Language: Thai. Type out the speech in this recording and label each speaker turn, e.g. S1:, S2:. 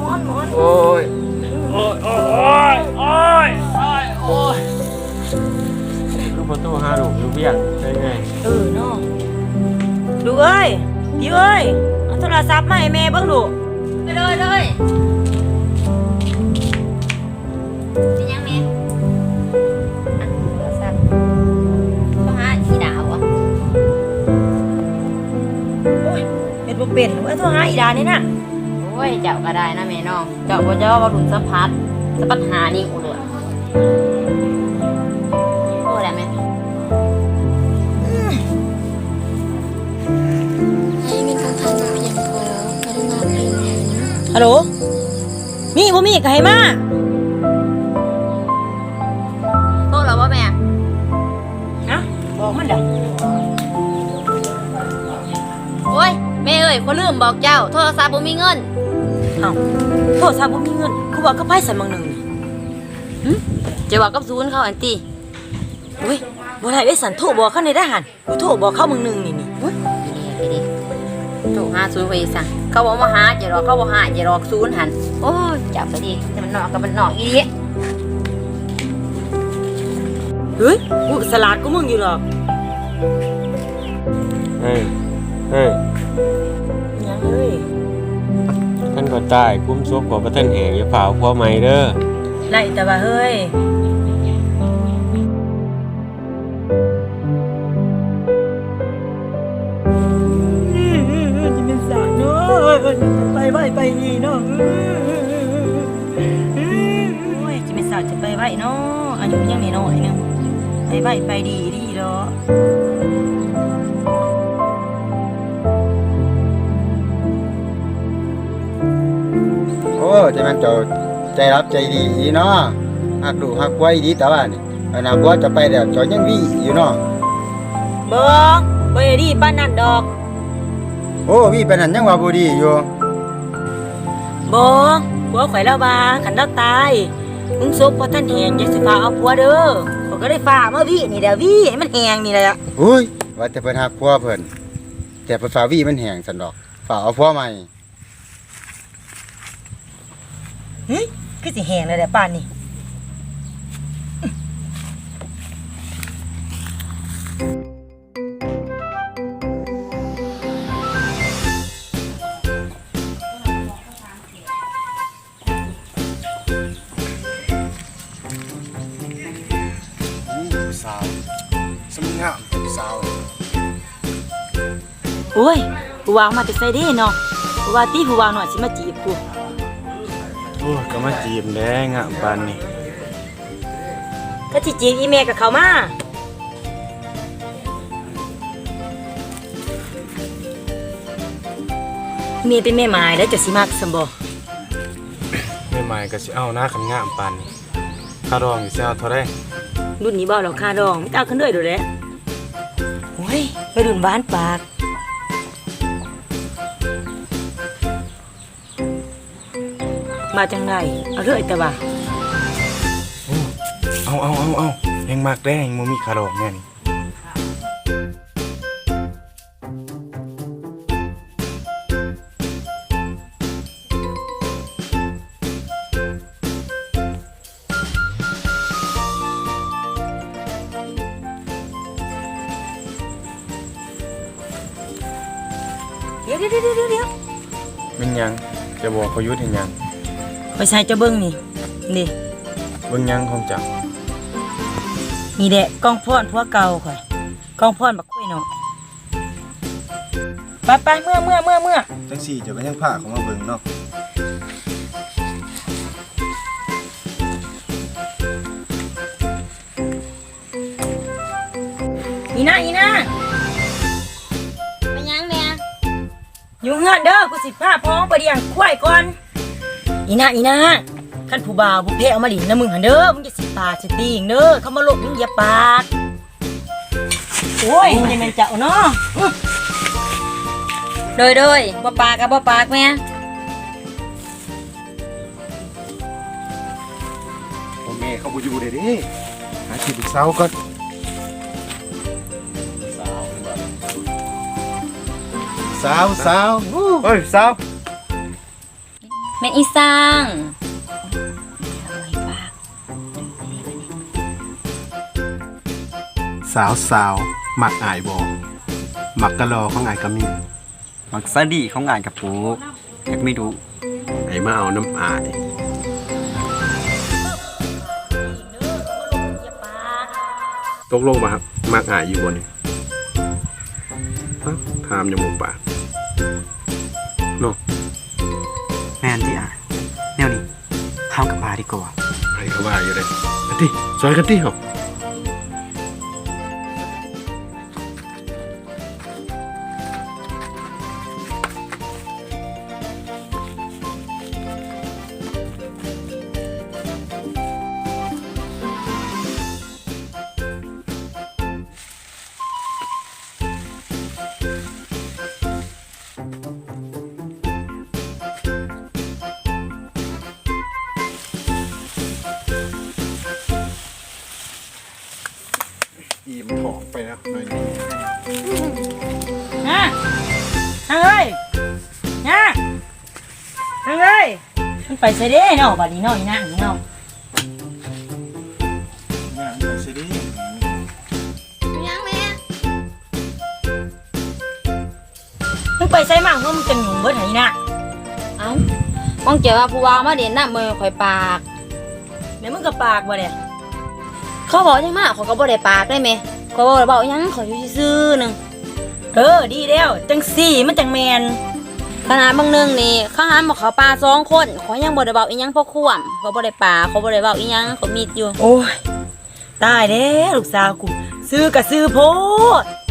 S1: โอ้ยโอ้ยโอ้ยโอ้ยโอ้ยโอ้ยลูกประตูหาลูกอยู่เบี้ยงได้ไง
S2: เนาะดูเอ้ยพี่เอ้ยเอาโทรศัพท์มาให้แม่เบิ่งดู
S3: เลยเป็นยังไงโทรศัพท์ต้องหาสีดาวอ่ะ
S2: โอ้ยเฮ็ดบ่เป็นว่าโทรหาอีดานี่น่ะ
S3: โอ้ยเจ้าก็ได้นะแม่น้องเจ้าบ่เจ้าว่าดุนสัมผัสหานี่อุดโอ้ได้ไหม
S4: ให้เงินของท่านเพียงพอกรุณาเพียงเห็น
S2: ฮัลโหลมีบ่มีก็ให้มา
S3: โทษแล้วว่าแม่
S2: ฮะบอกมันเด้อ
S3: โอ้ยแม่เอ้ยคนลืมบอกเจ้าโทรศัพท์บ่มีเงิน
S2: เอ้าโทรศัพท์บ่มีเงินคือว่าก็ไผสั่นบางนึง
S3: จะบอกกับศูนย์เขาอันตี
S2: อุ้ยบ่ได้ได้สั่นโทรบอกเขาในทหารกูโทรบอกเขาบางนึงนี่อุ้ย
S3: ดีโทรหาศูนย์ไปสั่งเขาบอกมาหาอย่ารอเขาบอกหาอย่ารอศูนย์หันโอ้ยจับไปดิแต่มันนอกกับมันนอกอีดิ
S2: เฮ้ยกูสลาดกูมึงอยู่หรอก
S1: เฮ้ย
S2: ยังเอ้ย
S1: ท่านก็ตายคุ้มซบกว่าพระท่านแห่งอย่าเผาพ่อใหม่เด้อ
S2: ไล่แต่ว่าเฮ้ยจะเป็นสารเนาะไปไหวไปดีเนาะโอ้ยจะเป็นสารจะไปไหวเนาะอายุยังน้อยนึงไปไหวไปดีเนาะ
S5: โอ้จะมันเจ้าใจรับใจดีเนาะหักดูหักไว้ดีแต่ว่านี่อนาคตจะไปแล้วเจ้ายังวีอยู่เนาะ
S2: บ่ดีปานนั้นดอก
S5: โอ้วีปานนั้นยังว่าบ่ดีอยู่
S2: บ่ผัวข่อยแล้วว่าคันเราตายมึงซบบ่ทันแหงอย่าสิฟ้าเอาผัวเด้อเขาก็ได้ฟ้ามาวินี่แหละวิให้มันแหงนี่แหละ
S5: โอ้ยว่าแต่เพิ่นหักผัวเพิ่นแต่เพิ่นฟ้าวีมันแห้งซั่นดอกฟ้าเอาผัวใหม่
S2: เฮ้ยคือสิแหงเลยแหละป่านนี้
S5: สาวสมงามสาว
S2: โอ้ยผู้วางมาแต่ไสเด้เนาะผู้ว่าตีผู้วางหน่อยสิมาจีบกู
S1: โอ้ก็มาจีบแดงอ่ะปานนี้
S2: ก็สิจีบอีเมลกับเขามาเมียเป็นแม่หมายแล้วจะสิมักสมบ่
S1: แม่ใหม่ก็สิเอาหน้าคันงามปานนี้ค่ารองอยู่สิเอาเท่าใด
S2: รุ่นนี้บ่เราค่ารองไม่เอาขึ้นด้วยดูแลโอ้ยไปรุ่นบ้านปากมาจังไงเอาเรื่อยแต่ว่า
S1: เอายังมากแดงบ่มีค่ารองแน่นี่
S2: เดี๋ยว
S1: มันยังจะบอกเขายุทธเห็นยัง
S2: ไปใส่เจ้าเบิ้งนี่
S1: เบิ่งยังของจัก
S2: นี่แหละกองพรผัวเก่าข่อยกองพรบักคุยเนาะไปเมื่อ
S5: จังสี่เจ้าก็ยังพาเขามาเบิ่งเนาะ
S2: อีน่า
S3: เป็นยังแม่
S2: อยู่เฮือนเด้อกูสิพาพ้องไปเลี้ยงควายก่อนอีน่าคันผู้บ่าวบุพเพเอามาหลินนะมึงหันเด้อมึงจะสิปากสิตีงเด้อเขามาลบมึงอย่าปากโอ้ยยังแม่นเจ้าเนาะ
S3: โดยบ่ปากกับบ่ปากแม่
S5: พ่อแม่เขาบ่อยู่เด้หาที่ปรึกษาก่อนสาวเฮ้ยสาว
S3: แม่นอีสร้าง
S6: สาวมักอายบ่มักกะลอของอายก็มี
S7: มักซาดีของงานกับปูอยากไม่รู้
S6: ไอ้มาเอาน้ำอาย ตกลงมาครับมักอายอยู่บ่นี่ฮะถามยังบ่ปากเนาะ
S7: แม่นที่แนวนี้เข้ากับปลาดีกว่า
S6: ไอ้ก็ว่าอยู่เลยกันติซอยกันติเหรอ อีมถอกไปแล้วหน่อยนึง
S2: นะทางเอ้ยนะทางเอ้ยมันไปใส่เด้เนาะบัดนี้เนาะอีนางเนาะ
S4: ยังแม่
S2: มึงไปใส่มั่งว่ามึงจังหยุ่งเบิดไหนนะ
S3: เอ้าป้องเจอว่าผู้ว่ามาเด่นน้ำมือข่อยปาก
S2: เดี๋ยวมึงก็ปากบ่เนี่ย
S3: เขาบอกจังมากเขาก็บ่ได้ปากได้ไหมเขาบอกเบาหยังเขาอยู่ซื่อๆหนึง
S2: ดีแล้วจังสี่มันจังแมน
S3: ขนาดบางหนึงนี่เขาหามบอกเขาปลา2 คนเขายังบ่ได้เบาอีหยังเพราะข่วมเขาบ่ได้ปลาเขาบ่ได้เบาอีหยังเขามีดอยู่
S2: โอ้ยตายแล้วลูกสาวกูซื้อกับซื้อโพด